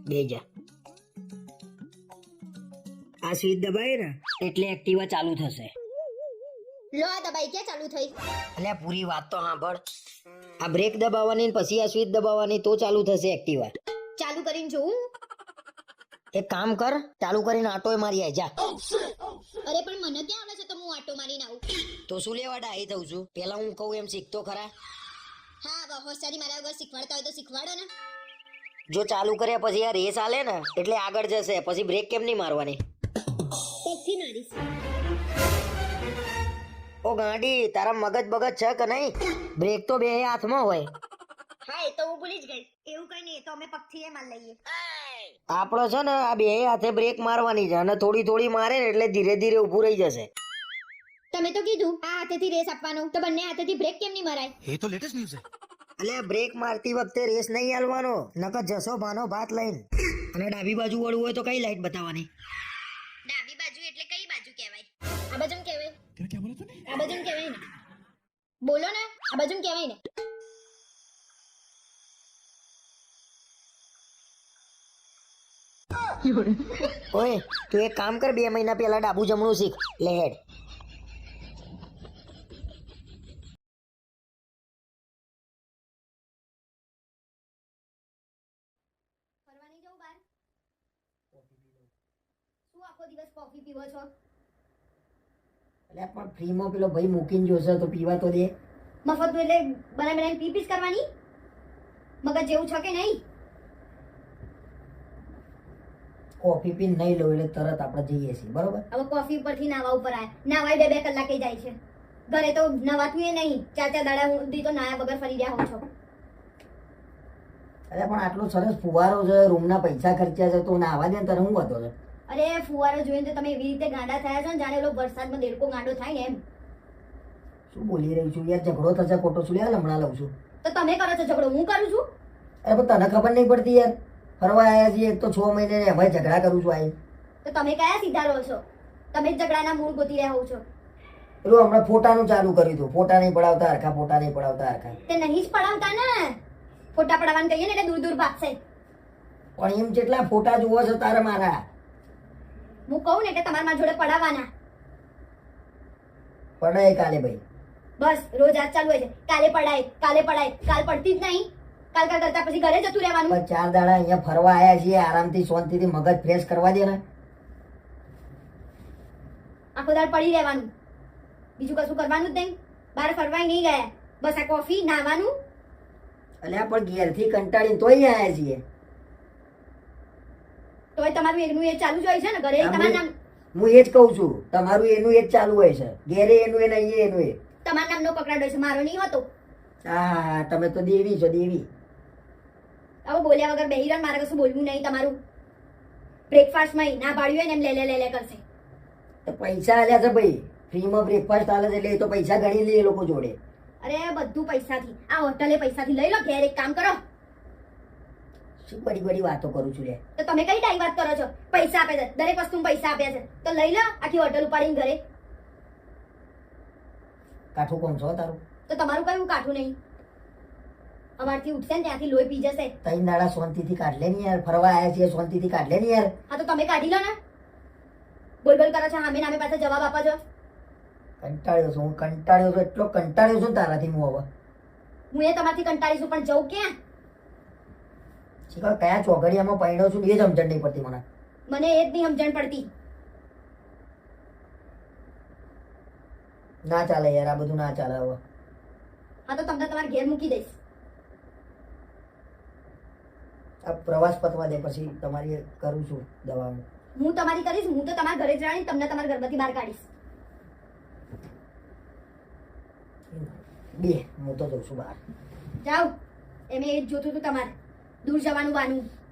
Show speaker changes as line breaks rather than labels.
બે જા. આ સ્વિચ દબાય ને એટલે એક્ટિવા ચાલુ થશે.
લો આ દબાઈ ક્યાં ચાલુ થઈ?
અલ્યા પૂરી વાત તો સાંભળ. આ બ્રેક દબાવવાની ને પછી આ સ્વિચ દબાવવાની તો ચાલુ થશે એક્ટિવા.
ચાલુ કરીને જોઉં?
એક કામ કર, ચાલુ કરીને આટોય મારી આય જા.
અરે પણ મને ક્યાં આવડે છે તો હું આટો મારીને આવું?
તો શું લેવા ડાહી થઉં છું? પેલા હું કહું એમ શીખતો ખરા.
હા હવે હોશિયારી મારા વગર શીખવાડતા હોય તો શીખવાડો ને.
જો ચાલુ કર્યા પછી આ રેસ આલે ને એટલે આગળ જશે, પછી બ્રેક કેમ નહીં મારવાની?
પગથી મારીશ.
ઓ ગાંડી, તારા મગજ બગજ છે કે નહીં? બ્રેક તો બે હાથમાં હોય.
હા એ તો હું ભૂલી જ ગઈ. એવું કઈ નહીં, તો અમે પગથી એ માર લઈએ.
આપણો છે ને આ બે હાથે બ્રેક મારવાની છે અને થોડી થોડી મારે ને એટલે ધીરે ધીરે ઊભું રહી જશે.
તમે તો કીધું આ હાથેથી રેસ આપવાનો, તો બંને હાથેથી બ્રેક કેમ નહીં મરાય?
ये तो लेटेस्ट न्यूज़ है।
એટલે બ્રેક મારતી વખતે રેસ નહીં હાલવાનો, નકર જશો ભાનો ભાત લઈને. અને ડાબી બાજુ વળવું હોય તો કઈ લાઈટ બતાવવાની?
ડાબી બાજુ એટલે કઈ બાજુ કહેવાય? આ બાજુ કહેવાય?
तेरा क्या बोला तूने?
આ બાજુ કહેવાય ને? બોલો ને, આ બાજુ કહેવાય ને?
ઓય તું એક કામ કર, 2 મહિના પહેલા ડાબુ જમણું શીખ. લે હેડ.
ફરવા નહીં જવું બહાર? શું આખો દિવસ કોફી પીવો છો?
એટલે પણ ફ્રીમાં પેલો ભાઈ મૂકીને જોશે તો પીવા તો દે.
મફતનું એટલે બનાવીને પી પીસ કરવાની? મગજ જેવું છે કે નહીં?
કોફી પીને નહીં લો એટલે તરત આપણે જઈએ છીએ, બરોબર?
હવે કોફી ઉપરથી નાવા ઉપર આયા. નાવાય 2-2 કલાકે જાય છે. ઘરે તો નવાતું એ નહીં. 4-4 દાડા સુધી તો નાયા વગર ફરી રહ્યા હો છો.
અરે પણ આટલો સરસ ફુવારો છે, રૂમના પૈસા ખર્ચ્યા છે, તો નાવા દે ને તને હું હતો છે.
અરે ફુવારો જોઈને તો તમે એવી રીતે ગાંડા થયા છો ને જાણે એલો વરસાદમાં દેડકો ગાંડો થાય ને એમ.
શું બોલી રહી છું યાર? ઝઘડો થશે ખોટો, શું યાર હમણાં લઉં છું?
તો તમે કરો છો ઝઘડો, હું કરું છું?
અરે પણ તને ખબર નહીં પડતી યાર? ફરવા આવ્યા છીએ એક તો 6 મહિને ને એમાં ઝઘડા કરું છું આઈ.
તો તમે કયા સીધા રહો છો? તમે જ ઝઘડાના મૂળ ગોતી રહ્યા હો છો.
પેલું હમણાં ફોટાનું ચાલુ કર્યું હતું. ફોટા નહીં પડાવતા હરખા, ફોટા નહીં પડાવતા હરખા.
તે નહીં જ પડાવતા ને. ફોટા પડાવવાનું કહીએ ને એટલે દૂર દૂર ભાગશે.
પણ એમ જેટલા ફોટા જોવો છો તારે મારા?
હું કહું ને એટલે તમારા મારા જોડે પડાવવાના.
પડાય કાલે ભાઈ.
બસ રોજ આજ ચાલુ હોય છે. કાલે પડાય, કાલે પડાય. કાલ પડતી જ નહીં. કાલ કરતા પછી ઘરે જતું રહેવાનું.
પણ 4 દાડા અહીંયા ફરવા આવ્યા છીએ, આરામથી શાંતિથી મગજ ફ્રેશ કરવા દે ને.
આખો દાડ પડી રહેવાનું, બીજું કશું કરવાનું જ નહીં. બહાર ફરવાય નહીં ગયા, બસ આ કોફી નાવાનું.
અલ્યા પણ ઘેરથી કંટાળીને તોય આવ્યા છીએ.
તોય તમારું એકનું એ ચાલુ જ હોય છે ને ઘરે. તમારું નામ
હું એ જ કહું છું, તમારું એનું એ જ ચાલુ હોય છે. ઘેરે એનું એ નહીં, એનું એ.
તમારા નામનો પકડાડ હોય છે, મારો નહીં હોતો.
હા તમે તો દેવી છો, દેવી.
હવે બોલ્યા વગર બેહી રહ્યો, મારે કશું બોલવું નહીં. તમારું બ્રેકફાસ્ટમાં ના પાડ્યું હોય ને એમ લે કરશે.
તો પૈસા આલ્યા છે ભાઈ, ફ્રીમાં બ્રેકફાસ્ટ આલે છે એટલે એ તો પૈસા ગણી લે એ લોકો જોડે.
અરે બધું પૈસાથી. આ હોટલે પૈસાથી લઈ લો. ઘેર એક કામ કરો.
શું બડી બડી વાતો કરું છું લે?
તો તમે કઈ ટાઈમ વાત કરો છો? પૈસા આપે છે, દરેક વસ્તુ પૈસા આપ્યા છે, તો લઈ લો આખી હોટલ ઉપાડીને ઘરે.
કાઠું કોણ છો તારું?
તો તમારું કયું કાઠું નહીં. અમારથી ઉઠશે ને ત્યાંથી લોહી પી જશે.
3 દાડા શાંતિથી કાઢ લે ને યાર. ફરવા આવ્યા છીએ, શાંતિથી કાઢ લે ને યાર.
હા તો તમે કાઢી લો ને. બોલ બોલ કરો છો, સામે નામે પાસે જવાબ આપો છો.
કંટાળ્યો છું, હું કંટાળ્યો છું, એટલો કંટાળ્યો છું તારાથી હું હવે.
હું એ તમારથી કંટાળી છું, પણ જવું ક્યાં?
શીખર કયા ચોઘડિયામાં પડ્યો છું એ જ સમજણ નહીં પડતી મને.
મને એ જ નહીં સમજણ પડતી.
ના ચાલે યાર, આ બધું ના ચાલે હવે.
હા તો તમને તમારા ઘેર મૂકી દઈશ.
આ પ્રવાસ પતવા દે પછી તમારી કરું છું દવા.
હું તમારી કરીશ. હું તો તમારા ઘરે જ રાણી તમને તમારા ઘરમાંથી બહાર કાઢીશ.
બે હું તો જઉં છું બહાર.
જાઓ. એમ એ જ જોતું હતું તમારે દૂર જવાનું વાનું.